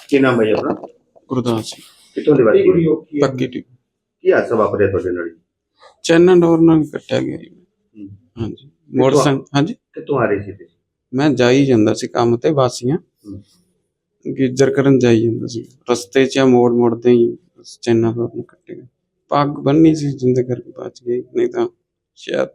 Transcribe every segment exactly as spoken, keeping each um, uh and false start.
ਕੀ ਨਾਮ ਹੈ ਜੀ ਆਪਣਾ? ਗੁਰਦਾਸ ਸਿੰਘ ਕਿੱਥੋਂ ਦੇ ਵਾਸੀ? ਪੱਗੀ ਟੀ ਕੀ ਹਾਦਸਾ ਵਾਪਰਿਆ ਤੁਹਾਡੇ ਨਾਲ? ਚੈਨਾ ਡੋਰ ਨਾਲ ਕੱਟਿਆ ਗਿਆ ਜੀ। ਹੂੰ। ਹਾਂਜੀ ਮੋਟਰਸਾਈਕਲ ਹਾਂਜੀ ਕਿੱਥੋਂ ਆ ਰਹੇ ਸੀ ਤੁਸੀਂ? ਮੈਂ ਜਾਈ ਜਾਂਦਾ ਸੀ ਕੰਮ ਤੇ ਵਾਸੀਆਂ ਹੂੰ। ਗੀਜਰ ਕਰਨ ਜਾਈ ਜਾਂਦਾ ਸੀ, ਰਸਤੇ 'ਚ ਮੋੜ ਮੋੜਦੇ ਹੀ ਚੈਨਾ ਡੋਰ ਨਾਲ ਕੱਟੇ ਗਏ। ਪੱਗ ਬੰਨੀ ਸੀ ਜਿੰਦੇ ਕਰਕੇ ਬਚ ਗਈ, ਨਹੀਂ ਤਾਂ ਸ਼ਾਇਦ।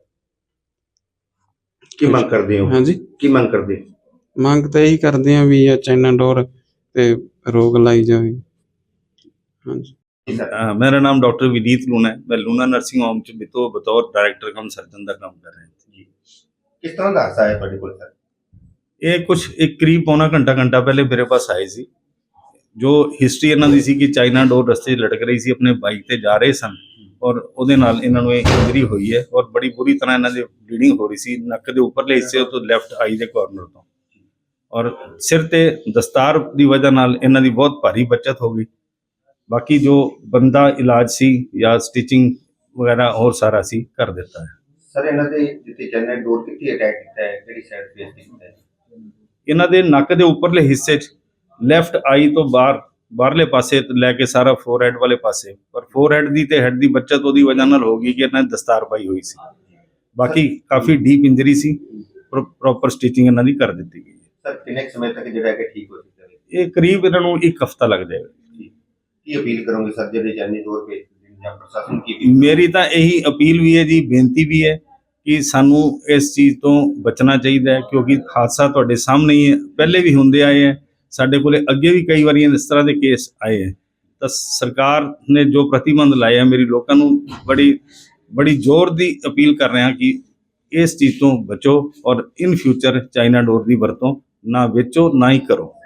ਕੀ ਮੰਗ ਕਰਦੇ ਹੋ? ਹਾਂਜੀ ਕੀ ਮੰਗ ਕਰਦੇ ਹੋ? ਮੰਗ ਤਾਂ ਇਹੀ ਕਰਦੇ ਆ ਵੀ ਇਹ ਚੈਨਾ ਡੋਰ ਤੇ ਰੋਕ ਲਾਈ ਜਾਵੇ। ਹਾਂਜੀ अ, मेरा नाम डॉक्टर विनीत लूना है। मैं लूना नर्सिंग होम च बितो बतौर डायरेक्टर कम सर्जन का काम कर रहे हैं जी। किस तरह का हादसा है ਤੁਹਾਡੇ ਕੋਲ ਸਰ? ये कुछ एक करीब पौना घंटा घंटा पहले मेरे पास आए सी। जो हिस्ट्री इन्हां दी सी कि चाइना डोर रस्ते 'ਚ लटक रही सी, अपने बाइक ते जा रहे सन और ਉਹਦੇ ਨਾਲ ਇਹਨਾਂ ਨੂੰ ਇਹ ਇੰਜਰੀ ਹੋਈ ਹੈ ਔਰ ਬੜੀ ਬੁਰੀ ਤਰ੍ਹਾਂ ਇਹਨਾਂ ਦੇ ਬਲੀਡਿੰਗ ਹੋ ਰਹੀ ਸੀ ਨੱਕ ਦੇ ਉੱਪਰਲੇ ਹਿੱਸੇ ਤੋਂ ਲੈਫਟ ਆਈ ਦੇ ਕਾਰਨਰ ਤੋਂ, ਔਰ ਸਿਰ ਤੇ ਦਸਤਾਰ ਦੀ ਵਜ੍ਹਾ ਨਾਲ ਇਹਨਾਂ ਦੀ ਬਹੁਤ ਭਾਰੀ ਬਚਤ ਹੋ ਗਈ। ਬਾਕੀ ਜੋ ਬੰਦਾ ਇਲਾਜ ਸੀ ਜਾਂ ਸਟਿਚਿੰਗ ਵਗੈਰਾ ਹੋਰ ਸਾਰਾ ਅਸੀਂ ਕਰ ਦਿੱਤਾ ਹੈ। ਸਰ ਇਹਨਾਂ ਦੇ ਜਿੱਥੇ ਚੈਨਲ ਡੋਰ ਕਿੱਥੇ ਅਟੈਕ ਕੀਤਾ ਹੈ, ਕਿਹੜੀ ਸਾਈਡ ਫੇਸ ਕੀਤਾ ਹੈ? ਇਹਨਾਂ ਦੇ ਨੱਕ ਦੇ ਉੱਪਰਲੇ ਹਿੱਸੇ 'ਚ ਲੈਫਟ ਆਈ ਤੋਂ ਬਾਹਰ ਬਾਹਰਲੇ ਪਾਸੇ ਤੋਂ ਲੈ ਕੇ ਸਾਰਾ ਫੋਰਹੈਡ ਵਾਲੇ ਪਾਸੇ, ਪਰ ਫੋਰਹੈਡ ਦੀ ਤੇ ਹੈਡ ਦੀ ਬੱਚਤ ਉਹਦੀ ਵਜ੍ਹਾ ਨਾਲ ਹੋ ਗਈ ਕਿ ਇਹਨਾਂ ਨੇ ਦਸਤਾਰ ਪਾਈ ਹੋਈ ਸੀ। ਬਾਕੀ ਕਾਫੀ ਡੀਪ ਇੰਜਰੀ ਸੀ, ਪ੍ਰੋਪਰ ਸਟਿਚਿੰਗ ਇਹਨਾਂ ਦੀ ਕਰ ਦਿੱਤੀ ਗਈ ਹੈ। ਸਰ ਕਿੰਨੇ ਸਮੇਂ ਤੱਕ ਜਿਹੜਾ ਕਿ ਠੀਕ ਹੋ ਸਕਦਾ ਹੈ? ਇਹ ਕਰੀਬ ਇਹਨਾਂ ਨੂੰ ਇੱਕ ਹਫਤਾ ਲੱਗ ਜਾਏਗਾ। ਕੀ ਅਪੀਲ ਕਰੋਗੇ ਸਰ ਜਿਹੜੇ ਚੈਨਲ ਡੋਰ ਭੇਜਦੇ ਜਾਂ ਪ੍ਰਸ਼ਾਸਨ ਕੀ? ਮੇਰੀ ਤਾਂ ਇਹੀ ਅਪੀਲ ਵੀ ਹੈ ਜੀ, ਬੇਨਤੀ ਵੀ ਹੈ ਕਿ ਸਾਨੂੰ ਇਸ ਚੀਜ਼ ਤੋਂ ਬਚਣਾ ਚਾਹੀਦਾ ਹੈ, ਕਿਉਂਕਿ ਹਾਦਸਾ ਤੁਹਾਡੇ ਸਾਹਮਣੇ ਹੀ ਹੈ, ਪਹਿਲੇ ਵੀ ਹੁੰਦੇ ਆਏ ਹੈ, ਸਾਡੇ ਕੋਲੇ ਅੱਗੇ ਵੀ ਕਈ ਵਾਰੀ ਇਸ ਤਰ੍ਹਾਂ ਦੇ ਕੇਸ ਆਏ ਹੈ। ਤਾਂ ਸਰਕਾਰ ਨੇ ਜੋ ਪ੍ਰਤੀਬੰਧ ਲਾਏ ਹੈ, ਮੇਰੀ ਲੋਕਾਂ ਨੂੰ ਬੜੀ ਬੜੀ ਜ਼ੋਰ ਦੀ ਅਪੀਲ ਕਰ ਰਿਹਾ ਕਿ ਇਸ ਚੀਜ਼ ਤੋਂ ਬਚੋ ਔਰ ਇਨ ਫਿਊਚਰ ਚਾਈਨਾ ਡੋਰ ਦੀ ਵਰਤੋਂ ਨਾ ਵੇਚੋ ਨਾ ਹੀ ਕਰੋ।